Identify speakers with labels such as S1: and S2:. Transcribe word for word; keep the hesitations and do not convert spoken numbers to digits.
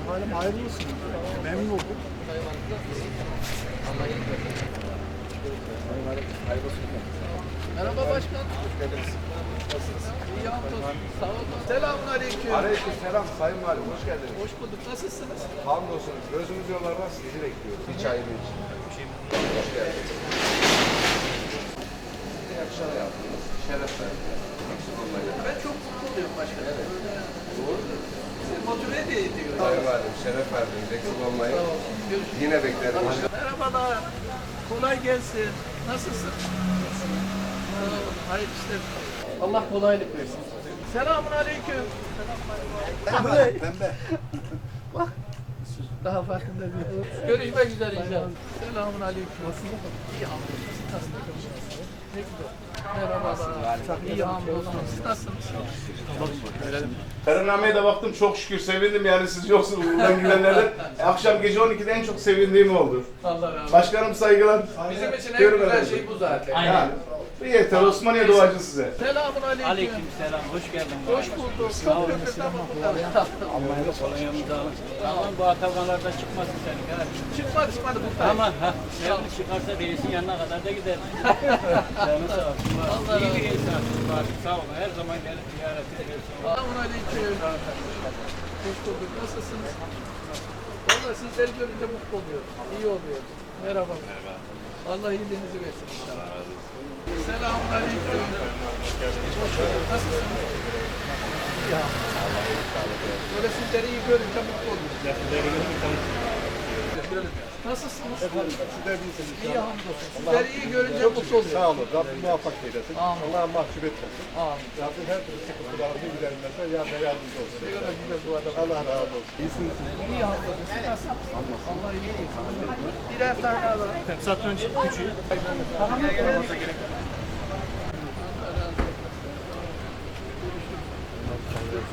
S1: Halim hayırlı olsun. Memnun oldum.
S2: Merhaba başkan. Hoş geldiniz. Nasılsınız? İyi hamdolsun. Sağ olun. Selamun aleyküm.
S3: Aleyküm selam Sayın Valim, hoş geldiniz.
S2: Hoş bulduk. Nasılsınız?
S3: Hamdolsun, gözümüz yollarda sizi bekliyoruz. Bir çayını için. Hoş geldiniz. İyi akşamlar yaptınız. Şeref verdiniz.
S2: Ben çok mutlu oluyorum başkan. Evet.
S3: Doğru.
S2: Sizi motive de ediyor.
S3: Sayın Valim, şeref verdiniz. Eksik olmayın.
S2: Sağ olun. Görüşürüz.
S3: Yine beklerim.
S2: Merhabalar. Kolay gelsin. Nasılsın? Sağ olun. Hayırlı işler. Allah kolaylık versin. Selamun aleyküm.
S1: Pembe. Pembe.
S2: Bak. Daha farkında değil. Görüşmek üzere inşallah. Selamun aleyküm. Nasılsın? İyi hamdolsun. Siz nasılsınız? Ne güzel. Merhabalar. İyi hamdolsun. Siz nasılsınız?
S4: Kararnameye de baktım, çok şükür sevindim, yani siz yoksunuz buradan gidenlerden. E, akşam gece on ikide en çok sevindiğim oldu.
S2: Allah razı olsun.
S4: Başkanım saygılar.
S2: Bizim için en
S4: Görün
S2: güzel
S4: efendim.
S2: şey bu zaten.
S4: Yani, yeter, Osmaniye doğacı size.
S2: Selamun aleyküm.
S5: Aleyküm selam, hoş geldin.
S2: Hoş bulduk. Çok köprüden bakımlar.
S5: Almanya'da kolonyamızı alın. Tamam, bu atakanlardan çıkmasın senin. Ha.
S2: Çıkmadı çıkmadı bu
S5: Aman ha, sen çıkarsa değilsin yanına kadar da gider. Canı sağ olsun.
S2: Allah
S5: İyi
S2: razı
S5: bir insansın. Bari sağ olun, her zaman gelip ziyaret ediyorsun.
S2: Selamun aleyküm. Hoş bulduk. Nasılsınız? Valla sizleri görünce mutlu oluyorum. İyi oluyor. Merhaba. Merhaba. Allah iyiliğinizi versin inşallah. Selamun aleyküm. Hoş bulduk. Nasılsınız? Ya. Böyle sizleri iyi görünce mutlu oluyorum. Nasılsınız?
S1: Sizler değilsiniz.
S2: İyi hamdolsun. Sizleri iyi görünce mutlu oluyorum.
S1: Sağ olun. Rabbim muvaffak eylesin.
S2: Amin.
S1: Allah'a mahcup etmesin.
S2: Amin.
S1: Rabbim her türlü sıkıntılarımızı giderilmese yardım yardımcı olsun.
S2: Ne kadar güzel duada.
S1: Allah razı olsun. İyisiniz.
S2: İyi hamdolsun. Siz nasılsınız? Allah iyilik etsin. Birer tane alalım.
S5: Satranç küçüğü.